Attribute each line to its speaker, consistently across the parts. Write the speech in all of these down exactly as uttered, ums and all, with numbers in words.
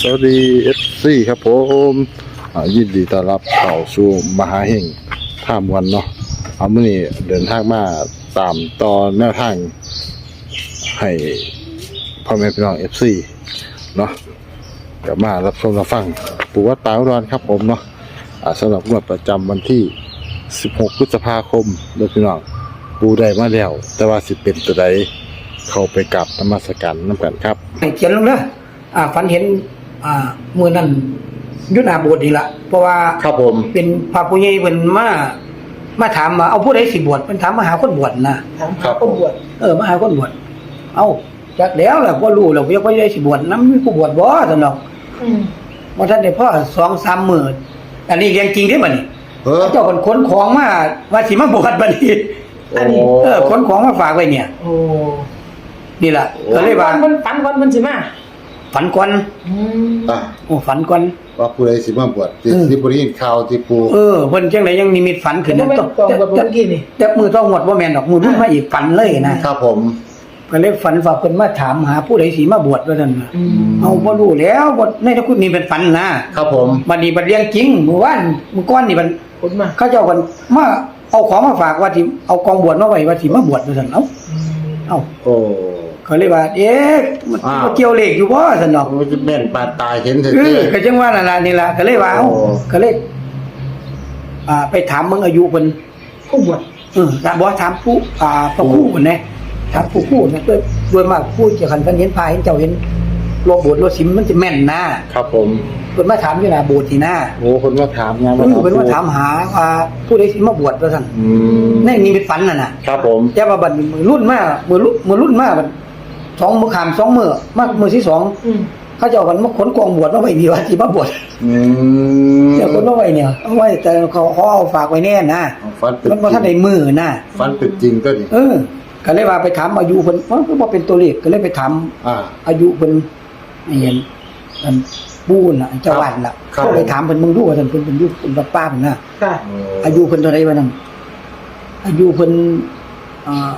Speaker 1: สวัสดี เอฟ ซี ครับผมยินดีต้อนรับเข้าสู่มหาเฮงท่ามวันเนาะเอามื่อนี้เดินทางมาตามตอนแนวทางให้พ่อแม่พี่น้อง เอฟ ซี เนาะกลับมารับชมรับฟังปู่วัดป่าอุดรครับผมเนาะสำหรับงวดประจำวันที่สิบหกพฤษภาคมเดือนพี่น้องปู่ได้มาแล้วแต่ว่าสิเป็นตัวใดเข้าไปกราบนมัสการนำกันครับ
Speaker 2: ให้เขียนลงเด้ออ่าฝันเห็นอ่ามื้อนั้นยุทธาโบสถ์นี่ล่ะเพราะว่า
Speaker 1: ครับผม
Speaker 2: เป็นพระผู้ใหญ่เพิ่นมามาถามว่าเอาผู้ใดสิบวชเพิ่นถามมาหาคนบวชนะ
Speaker 3: ถามหาคนบวช
Speaker 2: เออมาหาคนบวชเอ้าจักแล้วล่ะบ่รู้แล้วว่าได้สิบวชนำมีผู้บวชบ่ซั่นดอก
Speaker 3: อืม
Speaker 2: บ่ทันได้พอ สองสาม มื้ออันนี้เรื่องจริงเด้บัดนี้
Speaker 1: เออ
Speaker 2: เจ้าเพิ่นขนของมาว่าสิมาบวชบัดนี้
Speaker 3: อันนี้
Speaker 2: เออขนของมาฝากไว้เนี่ย
Speaker 3: โอ้
Speaker 2: นี่ล่ะก็เลยว่า
Speaker 3: มันฝันวันมันสิมา
Speaker 2: ฝันก่อน
Speaker 3: อืม
Speaker 1: อ่ะ
Speaker 2: โอ้ฝันก่อน
Speaker 1: ว่าผู้ใดสิมาบวชที่
Speaker 2: อืม
Speaker 1: ที่บริเวณข่าวที่ปู
Speaker 2: เออเพิ่นจังไดยังนิมิตฝันขึ้น
Speaker 3: เห็นว่าตองกับเมื่อกี้นี่
Speaker 2: แต่มือต้องหมดบ่แม่นดอกมือรุ่นมาอีกฝันเลยนะครับ
Speaker 1: ผม
Speaker 2: ก็เลยฝันว่าเพิ่นมาถามหาผู้ใดสิมาบวชว่าซั่นน่ะ
Speaker 3: อืม
Speaker 2: เอาบ่รู้แล้วบ่ในตะคุณนี่เป็นฝันนะครับ
Speaker 1: ผม
Speaker 2: บัดนี้บัดเรื่องจริงเมื่อวานเมื่อก่อนนี่มัน
Speaker 3: คนมา
Speaker 2: เขาเจ้ากันมาเอาของมาฝากว่าสิเอากองบวชมาไว้ว่าสิมาบวชว่าซั่นเอ้า
Speaker 3: อืม
Speaker 2: เอ้า
Speaker 1: โอ้
Speaker 2: ก็เลยว่าเอ๊ะมัน
Speaker 1: อ้าว
Speaker 2: มันเกี่ยวเลขอยู่บ่ซั่นเนาะ
Speaker 1: มันจะแม่นปานตายเห็นเถ
Speaker 2: เออ
Speaker 1: อะ
Speaker 2: ก็จังว่านั่นล่ะนี่ล่ะก็เลยว่าเอ้า
Speaker 1: โอ้
Speaker 2: ก็เลยอ่าไปถามมึงอายุเพิ่น
Speaker 3: ผู้บวช
Speaker 2: เออถามบอกถามผู้อ่าพระครู่นะถามผู้ครู่นะโดยโดยมากผู้จะคันเพิ่นเห็นพายเห็นเจ้าเห็นโลโบสถ์โลสิมมันจะแม่นนะครับ
Speaker 1: ผม
Speaker 2: เพิ่นมาถามอยู่หน้าโบสถ์นี่นะ
Speaker 1: โอ้คนมาถามงาน
Speaker 2: เออเพิ่นมาถามหาว่าผู้ใดสิมาบวชว่าซั่น
Speaker 1: อืม
Speaker 2: ในนี่เป็นฝันน่ะน่ะ
Speaker 1: ครับผม
Speaker 2: แต่ว่าบัดนี้มือรุ่นมามือรุ่นมือรุ่นมาบัดสองมื้อข้ามสองมื้อมามื้อที่สอง
Speaker 3: อืม
Speaker 2: เขาเจ้ากันมาขนกองบวชมาไว้นี่ว่าสิมาบวช
Speaker 1: อืม
Speaker 2: เดี๋ยวคนมาไว้เนี่ยเอาไว้แต่เขาเขาเอาฝากไว้แน่นะ
Speaker 1: ฟันเป็น
Speaker 2: มันบ่ทันได้มื้อนะ
Speaker 1: ฟันเป็นจริงก็ดิ
Speaker 2: เออก็เลยว่าไปถามอายุเพิ่นมันก็บ่เป็นตัวเลขก็เลยไปถาม
Speaker 1: อ่า
Speaker 2: อายุเพิ่นไอ้เห็นอันปูนน่ะไอ้เจ้าบ้านล่ะ
Speaker 1: ครับ
Speaker 2: ก็เลยถามเพิ่นมึงดูว่าท่านเพิ่นเป็นอยู่เป็นวัดป้าเพิ่นน่ะ
Speaker 3: ค่ะ
Speaker 2: อายุเพิ่นเท่าใดวะนั่นอายุเพิ่นอ่า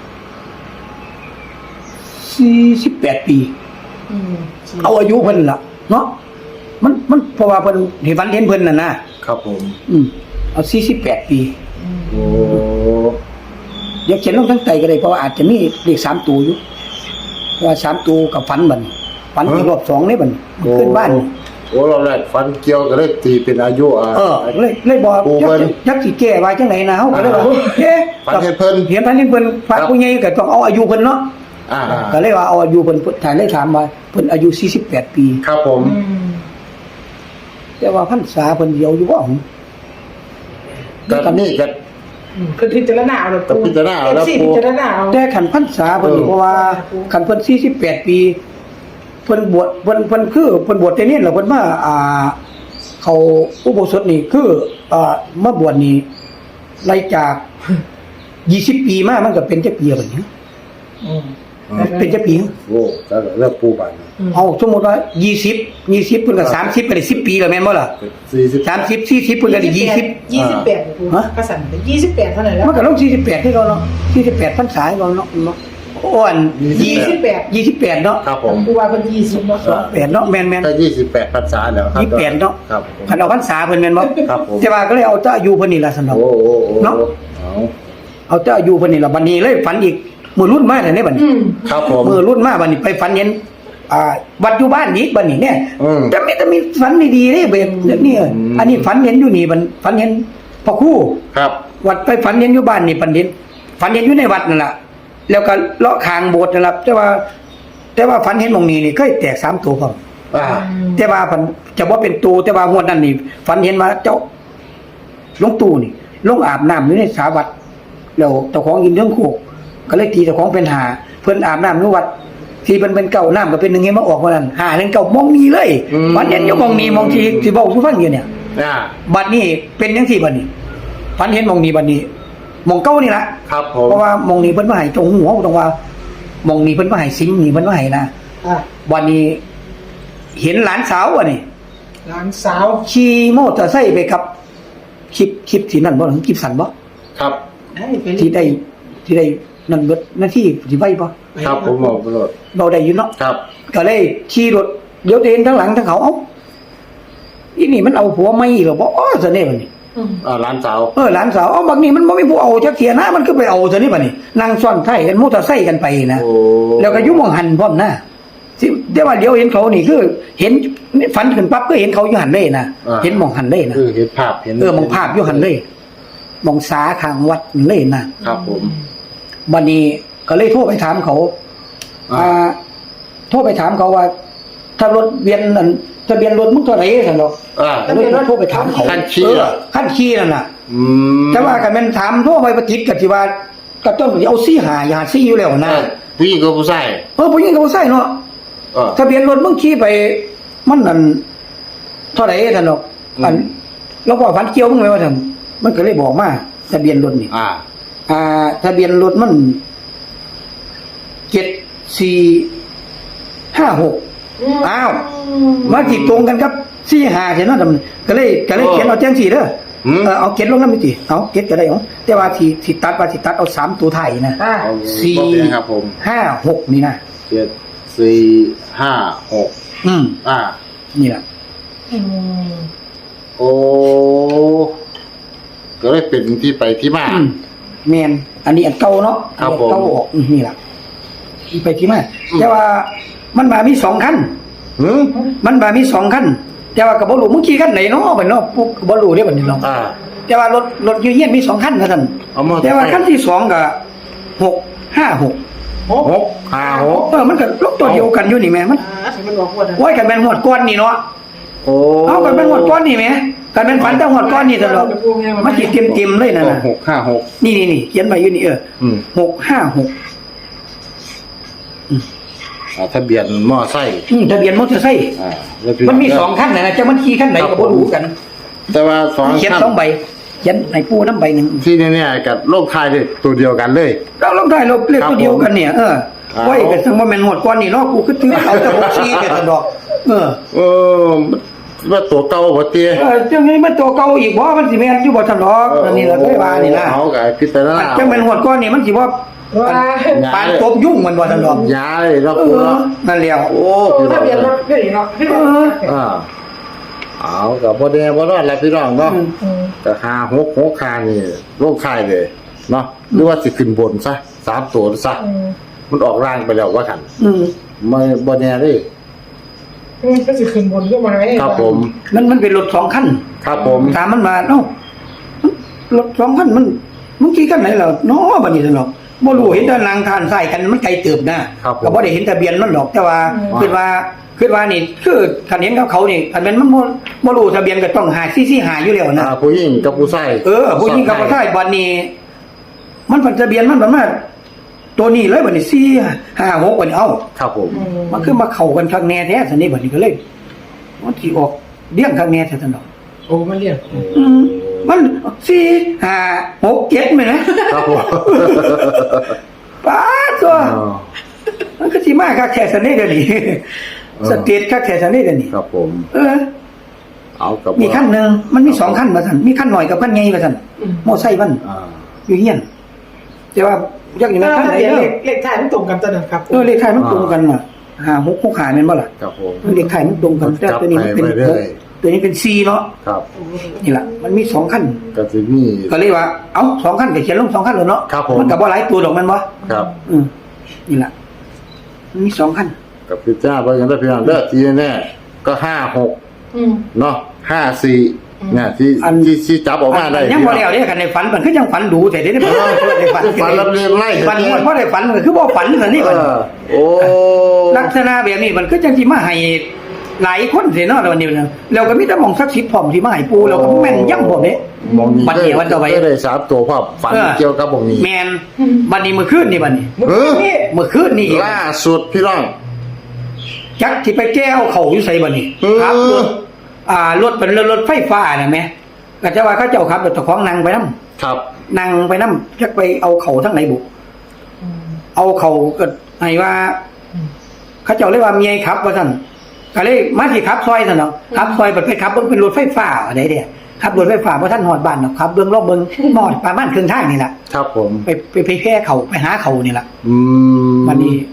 Speaker 2: สี่สิบแปดปี
Speaker 3: อืม
Speaker 2: เอาอายุเพิ่นล่ะเนาะมันมันเพราะว่าเพิ่นเห็นฝันเห็นเพิ่นน่ะนะครับ
Speaker 1: ผม
Speaker 2: อืมเอาสี่สิบแปดปี
Speaker 3: อืม
Speaker 1: โอ้
Speaker 2: เดี๋ยวเขียนลงทั้งใจก็ได้เพราะว่าอาจจะมีเลขสามตัวอยู่เพราะว่าสามตัวกับฝันบัดนี้ฝันอีกรอบสองนี่บัดนี้ขึ้นบ้านนี่
Speaker 1: โอ้เราแรกฟันเกี่ยวก็เลยตีเป็นอายุอ่ะ
Speaker 2: เออเลยเลยบอก
Speaker 1: โอ้
Speaker 2: ยัก
Speaker 1: เพิ่น
Speaker 2: ษ์ยักษ์สิแก้ไว้จังไหนนะเฮาก็เลยว่า
Speaker 1: อ่า
Speaker 2: เอ๊ะ
Speaker 1: ฝันเห็นเพิ่น
Speaker 2: เห็นพันเห็นเพิ่นฝาก
Speaker 1: ครับ
Speaker 2: ผู้ใหญ่ก็ต้องเอาอายุเพิ่นเนาะ
Speaker 1: อ่า
Speaker 2: ก็เลยว่าเอาอายุเพิ่นถ่ายเลยถามว่าเพิ่นอายุสี่สิบแปดปี
Speaker 1: ครับผม
Speaker 3: อืม
Speaker 2: แต่ว่าพรรษาเพิ่นเดียวอยู่บ่ของ
Speaker 1: ก็นี่ก็
Speaker 3: อืมคือพิจารณาเอาแล้ว
Speaker 1: ก็พิจารณาเอาแล้ว
Speaker 3: สิ
Speaker 1: ปู่
Speaker 3: พิจารณาเอา
Speaker 2: แต่คันพรรษาเพิ่นนี่
Speaker 1: เออ
Speaker 2: เพราะว่าคันเพิ่นสี่สิบแปดปีเพิ่นบวชเพิ่นเพิ่นคือเพิ่นบวชแต่นี่แล้วเพิ่นมาอ่าเขาอุโบสถนี่คืออ่ามาบวชนี่ไล่จากยี่สิบปีมามันก็เป็นจักปีบัดนี้
Speaker 3: อืม
Speaker 2: เป็นจักปี
Speaker 1: โอ้ก็เริ่มปูบัน
Speaker 3: อืม
Speaker 2: เอาสมมุติว่ายี่สิบ ยี่สิบเพิ่นก็สามสิบก็ได้สิบปีแล้วแม่นบ่ล่ะ
Speaker 1: สี่สิบ
Speaker 2: สามสิบ สี่สิบเพิ่นก็ได้ยี่สิบ
Speaker 3: ยี่สิบแปดครู
Speaker 2: ฮะ
Speaker 3: กระสันเป็นยี่สิบแปดเท่านั้นแล้ว
Speaker 2: มันก็ลงสี่สิบแปดให้เราเนาะสี่สิบแปดพรรษาให้เราเนาะเนาะอ้วน
Speaker 3: ยี่สิบแปด
Speaker 2: ยี่สิบแปดเนาะ
Speaker 1: ครับผม
Speaker 3: ครูว่าเป็นยี่สิบเนาะ
Speaker 2: แปดเนาะแม่น
Speaker 1: ถ้ายี่สิบแปดพรรษาแล้วครับ
Speaker 2: ยี่สิบแปดเนาะ
Speaker 1: ครับผม
Speaker 2: ๆคันเอาพรรษาเพิ่นแม่นบ่
Speaker 1: ครับผม
Speaker 2: แต่ว่าก็เลยเอาแต่อายุเพิ่นนี่ล่ะซั่นเนาะ
Speaker 1: โอ้โอ้โอ้
Speaker 2: เนาะ
Speaker 1: เอา
Speaker 2: เอาแต่อายุเพิ่นนี่ล่ะบัดนี้เลยฝันอีกมื้อรุ่นมาแล้วเนี่ยบัดนี้
Speaker 3: อืม
Speaker 1: ครับผม
Speaker 2: มื้อรุ่นมาบัดนี้ไปฝันเห็นอ่าวัดอยู่บ้านอีกบัดนี้เนี่ย
Speaker 1: อืม
Speaker 2: แต่ไม่ต้องมีฝันดีๆเด้แบบนี้
Speaker 1: อืม
Speaker 2: อันนี้ฝันเห็นอยู่นี่บัดฝันเห็นพระครู
Speaker 1: ครับ
Speaker 2: วัดไปฝันเห็นอยู่บ้านนี่ปันเห็นฝันเห็นอยู่ในวัดนั่นแหละแล้วก็เลาะคางโบสถ์นั่นแหละแต่ว่า แต่ว่าฝันเห็นหมองนี้นี่เคยแตกสามตัวพร้อม
Speaker 1: อ่า
Speaker 2: แต่ว่าฝันจะว่าเป็นตัวแต่ว่างวดนั้นนี่ฝันเห็นมาเจ้าหลวงตู่นี่ลงอาบน้ำอยู่ในสาวัดแล้วเจ้าของยินเรื่องโคกก็เลยตีเจ้าของเป็นหาเพิ่นอาบน้ำในวัดที่เป็นเป็นเก่าน้ำก็เป็นหนึ่งเงี้ยมาออกวันนั้นหาเรื่องเก่ามองนี้เลยฝันเห็นอยู่มองนี้มองที่ที่บอกทุกฟังอยู่เนี่ย
Speaker 1: อ่า
Speaker 2: บัดนี้เป็นจังซี่บัดนี้ฝันเห็นหมองนี้บัดนี้หมองเก่านี่ล่ะ
Speaker 1: ครับผม
Speaker 2: เพราะว่ามองนี้เพิ่นมาให้ตรงหัวตรงว่ามองนี้เพิ่นมาให้สิงนี่เพิ่นมาให้นะ
Speaker 3: อ่ะ
Speaker 2: วันนี้เห็นหลานสาวอ่ะนี่
Speaker 3: หลานสาว
Speaker 2: ขี่มอเตอร์ไซค์ไปกับคลิปคลิปที่นั่นบ่ถึงคลิปสั่นบ่
Speaker 1: ครับ
Speaker 3: ให้ไป
Speaker 2: ที่ได้ที่ได้นั่นเบิดหน้าที่สิไว้บ่
Speaker 1: ครับผมบอกตลอด
Speaker 2: เราได้อยู่เนาะ
Speaker 1: ครับ
Speaker 2: ก็เลยขี่รถเดี๋ยวเห็นทั้งหลังทั้งเขาเอ้าอีนี่มันเอาผัวไม่หรอบ่อ๋อซะเนี่ยบัดนี้
Speaker 3: อืม
Speaker 1: อ่าร้านสาว
Speaker 2: เออหลานสาวเอ้าบักนี้มันบ่มีผู้เอาจักเที่ยนะมันก็ไปเอาซะนี่บัดนี้นั่งซ้อนไท้กันมอเตอร์ไซค์กันไปนะ
Speaker 1: โอ้
Speaker 2: แล้วก็อยู่หม่องหันพร้อมนะสิแต่ว่าเดี๋ยวเห็นเขานี่คือ เห็นฝันขึ้นปั๊บก็เห็นเขาอยู่หันเลยนะเห็นหม่องหันเลยนะ
Speaker 1: คือเห็นภาพเห็น
Speaker 2: เออหม่องภาพอยู่หันเลยหม่องสาข้างวัดเลยนะครับ
Speaker 1: ผม
Speaker 2: บัดนี้ก็เลยโทรไปถามเขา
Speaker 1: อ่า
Speaker 2: อ่าโทรไปถามเขาว่า ถ้ารถเวียนนั่นทะเบียนรถมึงเท่าไหร่ซั่นดอก
Speaker 1: อ่า
Speaker 2: ก็เลยโทรไปถามเขา
Speaker 1: คันขี้
Speaker 2: เอ
Speaker 1: เหร
Speaker 2: อ
Speaker 1: อ
Speaker 2: ขั้นขี้นั่นน่ะ
Speaker 1: อืม
Speaker 2: แต่ว่าก็แม่นถามโทรไปประจิตก็สิว่าก็ต้องเอาซี่หาอย่าหาซี่อยู่แล้วนะ
Speaker 1: อ่าผู้หญิงกับผู้ชาย
Speaker 2: เออผู้หญิงก็บ่ใช่เนาะ
Speaker 1: เออ
Speaker 2: ทะเบียนรถมึงขี่ไป มันนั่นเท่าไหร่ซั่นดอก
Speaker 1: อืม
Speaker 2: อันแล้วก็ฝันเกี่ยวมึงไหมว่าซั่นมันก็เลยบอกมาทะเบียนรถนี่
Speaker 1: อ่า
Speaker 2: อ่า ทะเบียนรถมันเจ็ดสี่ห้าหก อ้าว มาจิตตรงกันครับสี่หาเห็นเนาะแต่มันก็เลยก็เลยเขียนเอาแจ้งสี่เด้อ
Speaker 1: อืม
Speaker 2: เออเอาเขียนลงน้ำมิติเอาเขียนก็ได้เอาแต่ว่าที่ที่ตัดว่าที่ตัดเอาสามตัวไทายนะ
Speaker 3: อ่า
Speaker 1: เอา
Speaker 2: สี่
Speaker 1: บอกเลยครับผม
Speaker 2: ห้าหกนี่นะ
Speaker 1: เจ็ดสี่ห้าหก
Speaker 2: อืม
Speaker 1: อ่า
Speaker 2: นี่แหละ
Speaker 3: อืม
Speaker 1: โอ้ก็เลยเป็นที่ไปที่มา
Speaker 2: อืมแมนอันนี้อันเก่าเนาะ
Speaker 1: ครับ
Speaker 2: อันเก่า
Speaker 1: ผม
Speaker 2: ออกอืมนี่แหละที่ไปที่มาแต่ว่ามันมามีสองขั้น
Speaker 1: หืม
Speaker 2: มันมามีสองขั้นแต่ว่ากับบอลูมึงขี่ขั้นไหนเนาะเป็นเนาะพวกบอลูได้บัดนี้เนาะ
Speaker 1: อ่า
Speaker 2: แต่ว่ารถรถยูเยียนมีสองขั้นนะท่าน
Speaker 1: เอามา
Speaker 2: แต่ว่าขั้นที่สองก็หกห้าหก
Speaker 3: หก
Speaker 1: หกห้าหก
Speaker 2: เออมันก็ลบตัวเดียวกันอยู่นี่แม่มัน
Speaker 3: อ่าถึงมันบอกว่า
Speaker 2: โอ้ยกันเป็นหวดก้อนนี่เนาะ
Speaker 1: โอ้
Speaker 2: เอากันเป็นหวดก้อนนี่แม่กันเป็นฝันแต่หวดก้อนนี่ตลอดมันสิเต็มๆเลยนั่นน่ะ
Speaker 1: หกห้าหก
Speaker 2: นี่นี่นี่เขียนไว้อยู่นี่เออ
Speaker 1: อืม
Speaker 2: หกห้าหก
Speaker 1: อ่าทะเบียนมอไซค์
Speaker 2: อืมทะเบียนมอเตอร์ไซค์
Speaker 1: อ่าแล้วพี่
Speaker 2: มันมีสองขั้นนะจะมันขี่ขั้นไหนก็บ่รู้กัน
Speaker 1: แต่ว่าสอง
Speaker 2: เขียน
Speaker 1: ขั้น
Speaker 2: สองใบเขียนในปูน้ำใบหนึ่ง
Speaker 1: ที่เนี่ยกับโลกไทยเลยตัวเดียวกันเลย
Speaker 2: เราลองได้เราเลขตัวเดียวกันเนี่ยเออ
Speaker 1: ครับ
Speaker 2: ไว้กันทั้งว่าแม่นหวดก้อนนี่เนาะกูคือถือเอาแต่หกสี่กันดอก เออ
Speaker 1: เออว่าตัวเก่าบ่เตี้ย
Speaker 2: เออจังนี้มันตัวเก่าอีกบ่มันสิแม่นอยู่บ่ทันดอกอันนี้เราเคยว่านี่นะ
Speaker 1: เอาไก่พิจารณา
Speaker 2: จังเป็นหวดก้อนนี่มันสิว่า
Speaker 3: ว่า
Speaker 2: ปานตบยุ่งมันบ่ทันดอก
Speaker 1: ย้ายเลยเนาะ
Speaker 2: เอ
Speaker 1: ปู
Speaker 2: อ
Speaker 1: เนาะ
Speaker 2: นั่นแล้ว
Speaker 1: โอ้
Speaker 3: โอ้
Speaker 1: พี่น้
Speaker 3: ทะ
Speaker 1: อง
Speaker 3: เบียนรถก็ดีเนาะ
Speaker 2: เออ
Speaker 1: อ่าเอากับบ่แน่บ่รอดแล้วพี่น้องเนาะ
Speaker 2: อืม
Speaker 3: อืม
Speaker 1: ก็หาหกหกคานี่โลกไทยเลยเนาะหรือว่าสิขึ้นบนซะสามตัวซะ
Speaker 3: อืม
Speaker 1: มันออกร่างไปแล้วว่ากัน
Speaker 2: อืม
Speaker 1: ไม่บ่แน่เด้
Speaker 3: อืมก็สิขึ้นบนขึ้นมาไง
Speaker 1: ครับผม
Speaker 2: มันมันเป็นรถสองคัน
Speaker 1: ครับผม
Speaker 2: ถามมันมาเอ้ารถสองคันมันมึงขี่คันไหนล่ะเนาะบัดนี้ซั่นดอกบ่รู้เห็นแต่นางทานใส่กันมันไกลเติบนะก็บ่ได้เห็นทะเบียนมันดอกแต่ว่าคิดว่าคิดว่านี่คือคันเห็นกับเขานี่คันแม่นมันบ่บ่รู้ทะเบียนก็ต้องหาซี่ซี่หาอยู่แล้วนะ
Speaker 1: อ่าผู้หญิงกับผู้ชาย
Speaker 2: เออผู้หญิงกับผู้ชายบัดนี้ มันเป็นทะเบียนมันประมาณตัวนี้เลยบัดนี้สี่ห้าหกบัดนี้เอ้า
Speaker 1: ครับผม
Speaker 3: อืม
Speaker 2: มันคือมาเข้ากันข้างแน่แท้ซั่นนี่บัดนี้ก็เลยมันสิออกเลี้ยงข้างแน่แท้ซั่นดอก
Speaker 3: โอ้มันเรียก
Speaker 2: อืมมันสี่ห้าหกเจ็ดแม่นนะครับ
Speaker 1: ผม
Speaker 2: ป้าดตัว
Speaker 1: อ๋อ
Speaker 2: มันก็สิมาคักแท้ซั่นนี่เดี๋ยวนี้สเตทคักแท้ซั่นนี่เดี๋ยวนี้
Speaker 1: ครับผม
Speaker 2: เออ
Speaker 1: เอากับ
Speaker 2: มีขั้นหนึงมันมีสองขั้นว่าซั่นมีขั้นหน่อยกับขั้นใหญ่ว่าซั่นมอไซค์มัน
Speaker 1: อ่า
Speaker 2: อยู่เฮียนแต่ว่าอยากอย่าง
Speaker 3: ท
Speaker 2: นั้นขั้นไหน
Speaker 3: ะเบียน
Speaker 2: เด้
Speaker 3: เล
Speaker 2: อ
Speaker 3: ขเลขท้ายมันตรงกันตอนนั้นครับ
Speaker 2: เออเลขไทยมันตรงกันน่ะหาหกหกหาแม่นบ่ล่ะ
Speaker 1: ครับผม
Speaker 2: เลขไทยมันตรงกันแต่ตัวนี้มันเป็น
Speaker 1: จับไป
Speaker 2: ห
Speaker 1: เรื่
Speaker 2: ก
Speaker 1: อย
Speaker 2: ตัวนี้เป็นสี่เนาะ
Speaker 1: ครับ
Speaker 2: นี่ล่ะมันมีสองขั้น
Speaker 1: ก็จะมี
Speaker 2: ก็เลยว่าเอ้าสองขั้นก็เขียนลงสองขั้นเลยเนาะ
Speaker 1: ครับผม
Speaker 2: มันก็บ่หลายตัวดอกแม่นบ่
Speaker 1: ครับ
Speaker 2: อืมนี่ล่ะมันมีสองขั้น
Speaker 1: กับพิจ้าไปกันได้พี่น้องเด้อทีแน่ๆก็ห้าหก
Speaker 3: อืม
Speaker 1: เนาะห้าสี่
Speaker 3: อืม
Speaker 1: เนี่ยที่ที่ที่จับออกมาได้
Speaker 2: ยังบ่แล้วเด้คันในฝันมันคือยังฝันดูแต่เด้บ่ได้ฝัน
Speaker 1: ฝันรับเรียนไล่
Speaker 2: ฝันหมดบ่ได้ฝันมันคือบ่ฝันซั่นนี่
Speaker 1: เอ
Speaker 2: บัด
Speaker 1: อโอ้
Speaker 2: ลักษณะแบบนี้มันคือจังสิมาให้หลายคนสิเนาะวันนี้นะแล้วก็มีแต่หม่องศักดิ์สิทธิ์พร้อมที่มาให้ปูแล้วก็แม่นย่ำพร้อมเด้
Speaker 1: มองนี้
Speaker 2: บัดนี้วันต่อไป
Speaker 1: ก็ได้สามตัวภาพฝัน
Speaker 2: เออ
Speaker 1: เกี่ยวกับมองนี้
Speaker 2: แม่นบัดนี้มื้อคืนนี่บัดนี้
Speaker 3: มึง
Speaker 1: เออ
Speaker 3: นี่
Speaker 2: เมื่อคืนนี่อีก
Speaker 1: ล่าสุดพี่น้อง
Speaker 2: จักที่ไปแก้วเขาอยู่ไสบัดนี้
Speaker 1: เออ
Speaker 2: ครับรถอ่ารถเป็นรถไฟฟ้าน่ะแม่ก็จะว่าเขาเจ้าขับรถเจ้าของนั่งไปนำ
Speaker 1: ครับ
Speaker 2: นั่งไปนำจักไปเอาเขาทั้งไหนบุ
Speaker 3: อืม
Speaker 2: เอาเขาก็ให้ว่า
Speaker 3: อืม
Speaker 2: เขาเจ้าเรียกว่าเมียขับว่าซั่นก็เลยมาสิขับซอยซั่นเนาะขับซอยไปขับเบิ่งเป็นรถไฟฟ้าอะไรเด้ขับรถไฟฟ้าบ่ทันฮอดบ้านเนาะขับเบิ่งรอบเบิ่งฮอดประมาณครึ่งทางนี่ล่ะ
Speaker 1: ครับผม
Speaker 2: ไปไปไปแพ้เขาไปหาเขานี่ล่ะ
Speaker 1: อืม
Speaker 2: วันนี้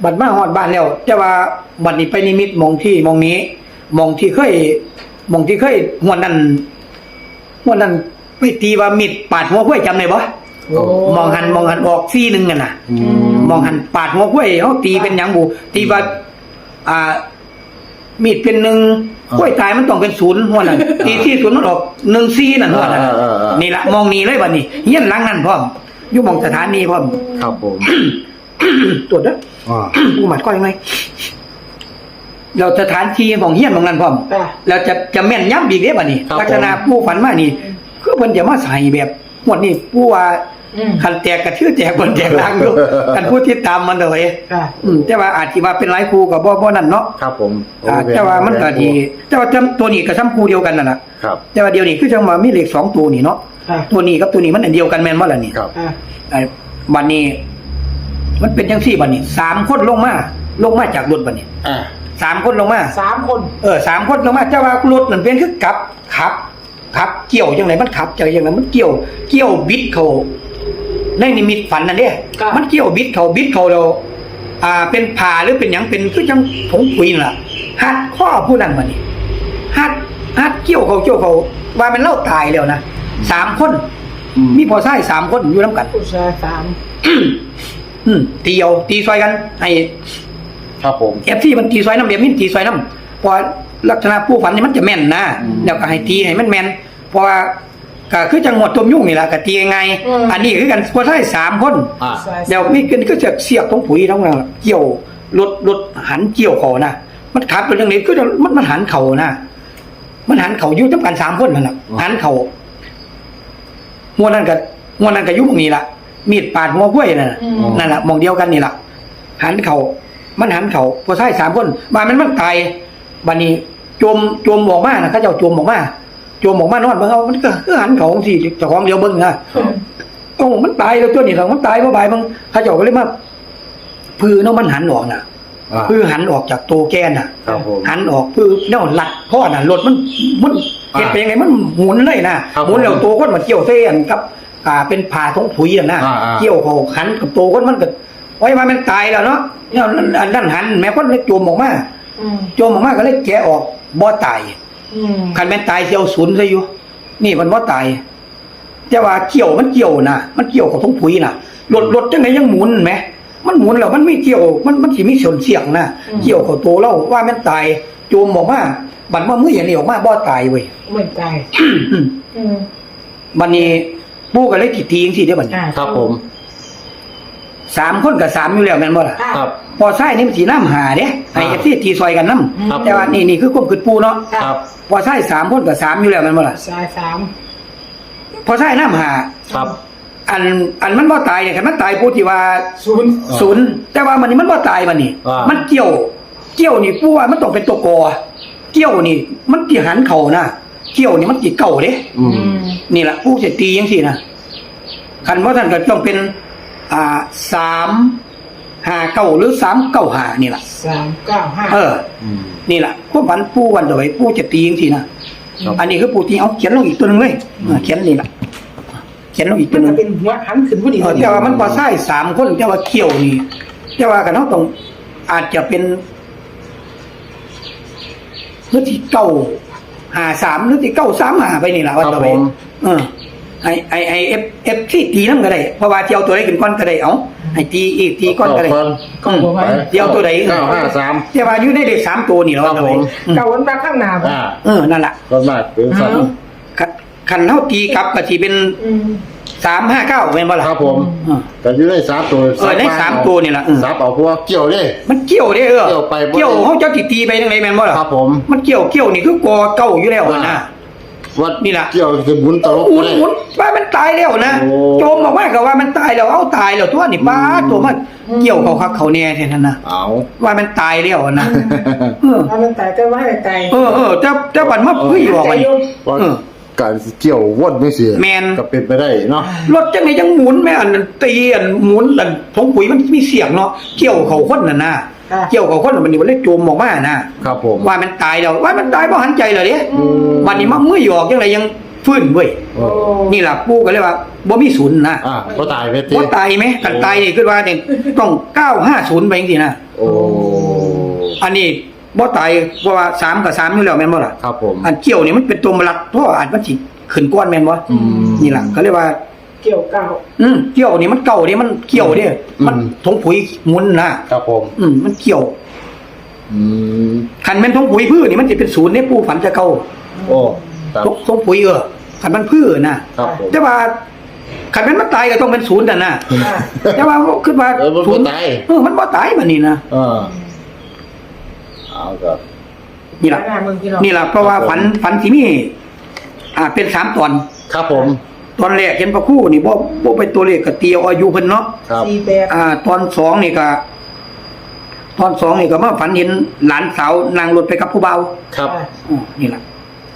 Speaker 2: บัดมาฮอดบ้านแล้วแต่ว่าบัดนี้ไปนิมิตมองที่มองนี้มองที่เคยมองที่เคยหวนนั้นหวนนั้นไปตีว่ามิดปาดหัวกล้วยจำได้บ่
Speaker 3: โอ้
Speaker 2: มองหันมองหันออกซี่หนึงกันน่ะ
Speaker 1: อืม
Speaker 2: มองหันปาดหัวกล้วยเฮาตีเป็นหยังบูตีว่าอ่ามีดเป็นหนึ่งกล้วยตายมันต้องเป็นศูนย์หัวนั้นตีที่ศูนย์มันออกหนึ่งซี่นั่นหัวนั้น
Speaker 1: อ่าอ่าอ่านี่
Speaker 2: นี่ล่ะมองนี่เลยบัดนี้เฮียนหลังนั้นพร้อมอยู่หมองสถานีพร้อม
Speaker 1: ครับผม
Speaker 2: ตรวจเด้อ
Speaker 1: อ่า
Speaker 2: กูหมัดก้อยไหมเราสถานที่ของเฮียนของนั้นพร้อม
Speaker 3: ค่ะ
Speaker 2: เราจะจะแม่นย้ำอีกเด้บัดนี้
Speaker 1: ครับ
Speaker 2: ลักษณะผู้ฝันมานี่คือเพิ่นจะมาใส่แบบหมดนี่ผู้ว่า
Speaker 3: อืม
Speaker 2: คันแตกกระชื่อแตกบนแตกล่างอยู่ กันผู้ที่ตามมันเลย
Speaker 3: ค่ะ
Speaker 2: อืมแต่ว่าอาจสิว่าเป็นหลายครูก็บ่บ่นั่นเนาะ
Speaker 1: ครับผม
Speaker 2: อ่าแต่ว่ามันก็ดีแต่ว่าจำตัวนี้ก็ซ้ำครูเดียวกันนั่นน่ะ
Speaker 1: ครับ
Speaker 2: แต่ว่าเดียวนี้คือจังว่ามีเลขสองตัวนี่เนาะ
Speaker 3: ค่ะ
Speaker 2: ตัวนี้กับตัวนี้มันอันเดียวกันแม่นบ่ล่ะนี่
Speaker 1: ครับ
Speaker 3: ค่ะ
Speaker 2: ไอ้บัดนี้ มันเป็นจังซี่บัดนี้สามคนลงมาลงมาจากรถบัดนี้
Speaker 1: อ่า
Speaker 2: สามคนลงมา
Speaker 3: สามคน
Speaker 2: เออสามคนลงมาแต่ว่ารถมันเป็นคือกลับขับขับ เกี่ยวจังไดมันขับจังไดมันเกี่ยว เกี่ยวบิดเขาในนิมิตฝันนั่นเด้มันเกี่ยวบิดเขาบิดเขาเราอ่า เป็นผ่าหรือเป็นหยังเป็นคือจังผงปุ๋ยนั่นล่ะหัดข้อผู้นั้นบัดนี้หัดหัดเกี่ยวเขาเกี่ยวเขาว่ามันเล่าตายแล้วนะสามคน
Speaker 1: อืม
Speaker 2: มีพอใช้สามคนอยู่นํกัน
Speaker 3: ผู้ชายสาม
Speaker 2: อืมตีเอาตีซอยกันให้
Speaker 1: ครับผม
Speaker 2: เอฟซีมันตีซอยน้ำเบียมินตีซอยน้ำเพอลักษณะผู้ฝันนี่มันจะแม่นนะ
Speaker 1: อืม
Speaker 2: แล้วก็ให้ตีให้มันแม่นเพราะว่าก็คือจังหวัดตัวยุ่งนี่แหละก็ตียังไง อันนี้คือกันพอใช้สามคน
Speaker 1: อ่า
Speaker 3: ผู้ชาย
Speaker 2: เดี๋ยวมีกันก็จะเสียบตรงปุ๋ยทั้งนั้นล่ะเกี่ยวรถรถหันเกี่ยวเขานะมันขับเป็นเรื่องนี้คือมันมันหันเขานะมันหันเขาอยู่จำกันสามคนนั่นแหละหันเขาหัวนั่นกับหัวนั่นกับยุคนี้ละมีดปาดหัวกล้วยนั่นน่ะ
Speaker 3: อืม
Speaker 2: นั่นแหละมองเดียวกันนี่แหละหันเขามันหันเขาพอใช้สามคนมามันมันตายบัดนี้จมจมออกมานะเขาเจ้าจมออกมาจมออกมานอนเบิ่งเอามันก็คือหันเขาสิเจ้าของเดียวเบิ่งนะ โอ้มันตายแล้วตัวนี้เรามันตายเพราะบายบางเขาเจ้าก็เลยมาพือเนาะมันหันออกน่ะ
Speaker 1: อ่า
Speaker 2: พือหันออกจากโตแกนน่ะ
Speaker 1: ครับผม
Speaker 2: หันออกพือเนาะหลัดพ่อน่ะรถมันมัน
Speaker 1: อ่า
Speaker 2: เฮ็ดไปยังไงมันหมุนเลยนะครับ หมุนแล้วโตคนมันเกี่ยวเส้นกับ อ่าเป็นผ่าท้องผุยน่ะนะ
Speaker 1: อ่าอ่า
Speaker 2: เกี่ยวเขาหันกับโตคนมันก็ไว้มามันตายแล้วเนาะเนี่ยอันนั้นหันแม่คนเลยโจมออกมา
Speaker 3: อืม
Speaker 2: โจมออกมาก็เลยแกะออกบ่ตาย
Speaker 3: อืม
Speaker 2: คันแม่นตายเสียวศูนย์ซะอยู่นี่มันบ่ตายแต่ว่าเกี่ยวมันเกี่ยวนะมันเกี่ยวกับท้องผุยน่ะรถรถจังไดยังหมุนแหมมันหมุนแล้วมันไม่เกี่ยว มันมันสิมีส่วนเสี่ยงนะเกี่ยวกับตัวเราว่าแม่นตายโจมออกมาบัดว่ามืออย่างนี้ออกมาบ่ตายเว้ย
Speaker 3: ไม่ตายอืม
Speaker 2: บัดนี้ปู่ก็เลยติตีจังซี่เด้อบัดนี้
Speaker 3: อ่า
Speaker 1: ครับผม
Speaker 2: สามคนกับสามอยู่แล้วแม่นบ่ล่ะ
Speaker 3: ค่ะ
Speaker 1: ครับ
Speaker 2: พอใช้นี่มันสิน้ำหาเด้ให้
Speaker 1: อ่า
Speaker 2: เอฟซีตีซอยกันนำ
Speaker 1: ครับ
Speaker 2: แต่ว่านี่นี่คือความคิดปู่เนาะ
Speaker 1: ครับ
Speaker 2: พอใช้สามคนกับสามอยู่แล้วแม่นบ่ล่ะ
Speaker 3: ชายสาม
Speaker 2: พอใช้น้ำหา
Speaker 1: ครับ
Speaker 2: อันอันมันบ่ตายเนี่ยคันมันตายปู่ที่ว่า
Speaker 3: ศูนย์
Speaker 1: อ่า
Speaker 2: ศูนย์แต่ว่ามันนี่มันบ่ตายบัดนี้
Speaker 1: อ่ามั
Speaker 2: มันเกี่ยว เกี่ยวนี่ปู่ว่ามันต้องเป็นตัวกอเกี่ยวนี่ มันสิหันเข้านะเกี่ยวนี่มันสิเก่าเด้
Speaker 1: อืม
Speaker 3: อืม
Speaker 2: นี่ล่ะปู่สิตีจังซี่นะคันว่าท่านก็ต้องเป็น อ่าสามห้าเก้าหรือสามเก้าห้านี่ล่ะ
Speaker 3: สามเก้าห้า
Speaker 2: เออ
Speaker 1: อืม
Speaker 2: นี่ล่ะพวกฝันปู่วันต่อไปปู่จะตีจังซี่นะครับ อันนี้คือปู่ตีเอาเขียนลงอีกตัวหนึงเลยเออเขียนนี่ล่ะเขียนลงอีกตั
Speaker 3: มั
Speaker 2: วน หนึ
Speaker 3: จะ
Speaker 2: ง
Speaker 3: เป็นหัวหันขึ้นพอดี
Speaker 2: เออแต่ว่ามันพอใช้สามคนแต่ว่าเกี่ยวนี่แต่ว่ากันเฮาต้องอาจจะเป็นหรือที่เก้าห้าสามหรือที่เก้าสามห้าไปนี่ล่ะวันต่อไป
Speaker 1: ครับผม
Speaker 2: เออไอไอไอเอฟเอฟที่ตีน้ำก็ได้เพราะว่าเที่ยวตัวใดขึ้นก้อนก็ได้เอาให้ตีอีกตีก้อนก็ได้
Speaker 1: ก้อน
Speaker 2: อืม
Speaker 1: ไป
Speaker 2: เดี๋ยวตัวใด
Speaker 1: เก้าห้าสาม
Speaker 2: แต่ว่าอยู่ในเลขสามตัวนี่เรา
Speaker 1: ครับผม
Speaker 2: อืม
Speaker 3: เก้าวันมาข้างหน้าบ่
Speaker 1: อ่า
Speaker 2: เออนั่นแหละ
Speaker 1: ก็มากเป็นสัตว์
Speaker 2: คันคันเท่าตีกลับก็สิเป็น
Speaker 3: อืม
Speaker 2: สามห้าเก้าเป็นบ่ล่ะ
Speaker 1: ครับผม
Speaker 2: เออ
Speaker 1: แต่อยู่ในสามตัว
Speaker 2: เออในสามตัวนี่ล่ะเออ
Speaker 1: สามเอาพวกเกี่ยวเด้
Speaker 2: มันเกี่ยวเด้อเออ
Speaker 1: เกี่ยวไปบ่ได้
Speaker 2: เกี่ยวเขาเจ้าติตีไปจังไดแม่นบ่ล่ะ
Speaker 1: ครับผม
Speaker 2: มันเกี่ยวเกี่ยวนี่คือกอเก้าอยู่แล้วนะ
Speaker 1: วัด
Speaker 2: นี่ล่ะ
Speaker 1: เกี่ยวจะหมุนตลบ
Speaker 2: หมุน
Speaker 1: ได้
Speaker 2: หมุนว่ามันตายแล้วนะ
Speaker 1: โอ้
Speaker 2: โจมบอกว่าก็ว่ามันตายแล้วเอาตายแล้วตัวนี่ป้าตัวมันเกี่ยวเขาคักเขาแน่แท้นั่นนะ
Speaker 1: เอา
Speaker 2: ว่ามันตายแล้วนะเออ
Speaker 3: ถ้ามันตายก็ว่าให้ตาย
Speaker 2: เออเออแต่แต่บัดมาเฮ้ยบอกมัน
Speaker 1: ว่า
Speaker 2: เออ
Speaker 1: การเกี่ยววดไม่เสีย
Speaker 2: แม่น
Speaker 1: ก็เป็นไปได้เนาะ
Speaker 2: รถจังไดยังหมุนแม่อันนั้นตีอันหมุนอันทงปุ๋ยมันมีเสียงเนาะเกี่ยวเขาคนน่ะนะ
Speaker 3: ค่ะ
Speaker 2: เกี่ยวเขาคนน่ะมันนี่มันเลยโจมออกมานะครับ
Speaker 1: ผม
Speaker 2: ว่ามันตายแล้วว่ามันตายเพราะหันใจเหรอเด้
Speaker 1: อืม
Speaker 2: วันนี้มาเมื่อยออกจังไดยังฟื้นเว้ย
Speaker 1: โอ้
Speaker 2: นี่ล่ะปู่ก็เลยว่าบ่มีศูนย์นะ
Speaker 1: อ่าบ่ตายไปติ
Speaker 2: บ่ตายไหมกันตายนี่คือว่าเนี่ยต้องเก้าห้าศูนย์ไปจังซี่นะ
Speaker 1: โอ้
Speaker 2: อันนี้บ่ตายเพราะว่าสามกับสามอยู่แล้วแม่นบ่ล่ะ
Speaker 1: ครับผม
Speaker 2: อันเกี่ยวนี่มันเป็นตัวมลัดเพราะว่าอาจมันสิขึ้นก้อนแม่นบ่
Speaker 1: อืม
Speaker 2: นี่ล่ะเขาเรียกว่า
Speaker 3: เกี่ยวเก้า
Speaker 2: อืมเกี่ยวนี่มันเก่านี่มันเกี่ยวนี่มัน
Speaker 1: อืม
Speaker 2: ทงปุ๋ยหมุนนะครับ
Speaker 1: ผม
Speaker 2: อืมมันเกี่ยว
Speaker 1: อืม
Speaker 2: คันแม่นทงปุ๋ยพืชนี่มันสิเป็นศูนย์เนี่ยปู่ฝันจะเก่า
Speaker 1: โอ้ครับ
Speaker 2: ทงทงปุ๋ยเออคันมันพืชนะครับ
Speaker 1: ผม
Speaker 2: แต่ว่าคันแม่นมันตายก็ต้องเป็นศูนย์นั่นน่ะ
Speaker 3: อ่า
Speaker 2: แต่ว่าคิดว่า
Speaker 1: เออมันบ่
Speaker 2: ศูนย์
Speaker 1: ตาย
Speaker 2: เออมันบ่ตายบัดนี้นะ
Speaker 1: เออเอาครับ
Speaker 2: นี่ล่ะ
Speaker 3: หน้าเมืองพี่น้อง
Speaker 2: นี่ล่ะเพราะว่าฝันฝันที่มีอ่าเป็นสามตอน
Speaker 1: ครับผม
Speaker 2: ตอนแรกเห็นพระครู่นี่บ่บ่เป็นตัวเลขก็เตียวอายุเพิ่นเนาะ
Speaker 1: ครับ
Speaker 3: สี่แปด
Speaker 2: อ่า ตอนสองนี่ก็ตอนสองนี่ก็มาฝันเห็นหลานสาวนั่งรถไปกับผู้เบา
Speaker 1: ครับ
Speaker 3: อ่า
Speaker 2: อ๋อนี่ล่ะ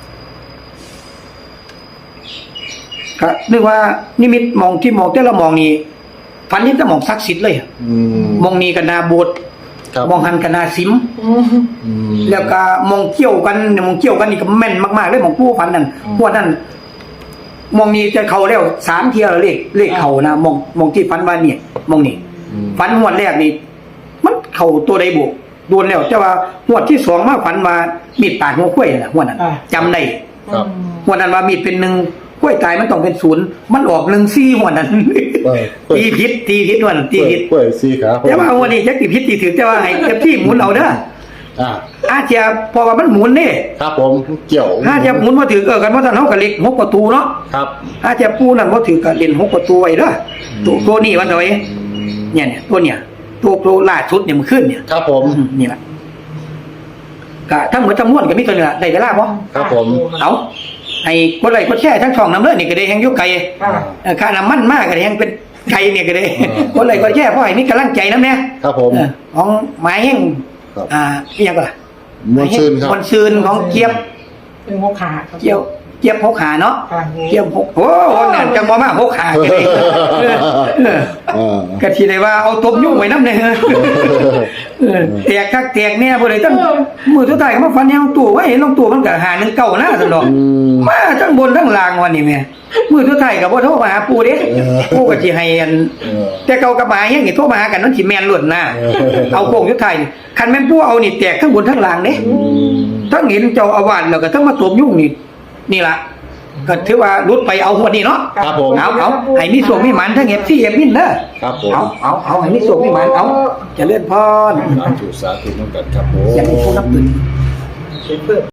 Speaker 2: ก็นึกว่านิมิตมองที่มองแต่ละมองนี่ฝันเห็นแต่มองศักดิ์สิทธิ์เลยอะ
Speaker 1: อืม
Speaker 2: มองนี่ก็นาโบสถ์
Speaker 1: ครับ
Speaker 2: มองหันก็นาสิม
Speaker 3: อืม
Speaker 1: อืม
Speaker 2: แล้วก็มองเกี่ยวกันเนี่ยมองเกี่ยวกันนี่ก็แม่นมากๆเลยมองผู้ฝันนั่นพวกนั้นมองนี่จะเข้าแล้วสามเที่ยวแล้วเลขเลขเข้านะมองมองที่ฝันว่าเนี่ยมองนี่
Speaker 1: อืม
Speaker 2: ฝันงวดแรกนี่มันเข้าตัวใดบุโดนแล้วแต่ว่างวดที่สองมาฝันว่ามีดปาดหัวข้วยน่ะงวดนั้นจำได้
Speaker 1: ครับ
Speaker 2: งวดนั้นว่ามีดเป็นหนึ่งข้วยตายมันต้องเป็นศูนย์มันออกหนึ่งซี่งวดนั้น
Speaker 1: เออ
Speaker 2: ตีพิษตีพิษงวดนั้นตีพิษ
Speaker 1: กล้วยสีขา
Speaker 2: แต่ว่างวดนี้จักตีพิษตีถือแต่ว่าให้เจ้าที่หมุนเอาเด้อ
Speaker 1: อ่า
Speaker 2: อาจจะเพอว่ามันหมุนนี่
Speaker 1: ครับผมเกี่ยว
Speaker 2: อาจจะหมุนบ่ถือเออกันว่าท่านเฮาก็เล็กหกประตูเนาะ
Speaker 1: ครับ
Speaker 2: อาจจะปูนั่นบ่ถือก็เล่นหกประตูไว้เด้อตัวตัวนี้มันเอาไว้เนี่ยเนี่ยตัวเนี่ยตัวตัวล่าสุดเนี่ยมันขึ้นเนี่ย
Speaker 1: ครับผม
Speaker 2: อืมนี่ล่ะก็ทั้งหมดทั้งมวลก็มีตัวนี้ล่ะได้เวลาบ่
Speaker 1: ครับผม
Speaker 2: เอาให้กดไลค์กดแชร์ทั้งช่องนำเด้อนี่ก็ได้แฮงอยู่ไกล
Speaker 3: อ่า
Speaker 2: เออค่าน้ำมันมากก็ได้แฮงเป็นไกลเนี่ยก็ได้กดไลค์กดแชร์เพราะให้มีกำลังใจนำแน่
Speaker 1: ครับผม
Speaker 2: เออของหมายแฮง
Speaker 1: ครับ
Speaker 2: อ่าอีหยังก็ล่ะ
Speaker 1: มวลซืนครับ
Speaker 2: มวลซืนของเจี๊ยบ
Speaker 3: หนึ่งหกขาครับ
Speaker 2: เจี๊ยบเจี๊ยบหกขาเนาะ
Speaker 3: อ่า
Speaker 2: เจี๊ยบหกโอ้โหนั่นจังบ่มาหกขาก็ได้เออเออ
Speaker 1: อ่า
Speaker 2: ก็สิได้ว่าเอาตบยุ่งไว้นำเด้อเออแตกคักแตกแน่บ่ได้ตั้งมือสุดท้ายก็มาฟันแนวตู้ไว้เห็นลงตู้มันก็หาหนึ่งเก้านะซั่นดอก
Speaker 1: อืม
Speaker 2: มาทั้งบนทั้งล่างวันนี้แม่มือสุดท้ายก็บ่โทรมาหาปู่เด้
Speaker 1: เออ
Speaker 2: ปู่ก็สิให้อัน
Speaker 1: เออ
Speaker 2: แต่เก่ากับหมายังนี่โทรมาหากันมันสิแม่นล้วนนะ
Speaker 1: เออ
Speaker 2: เอาโค้งสุดท้ายนี่คันแม่นปู่เอานี่แตกทั้งบนทั้งล่างเด้
Speaker 1: อืม
Speaker 2: ทั้งเห็นเจ้าอาวาสแล้วก็ทั้งมาตบยุ่งนี่นี่ล่ะก็ถือว่ารุดไปเอาหัวนี่เนาะ
Speaker 1: ครับผม
Speaker 2: เอาเอาให้มีส่วงมีหมันทั้งเอฟซีเอฟมินเด้อ
Speaker 1: ครับผม
Speaker 2: เอาเอาเอาให้มีส่วงมีหมันเอาเจริญพร
Speaker 1: สาธุสาธุน้ำกันครับผม
Speaker 2: อย่างนี้ผู้นับถือ
Speaker 3: เพิ่ม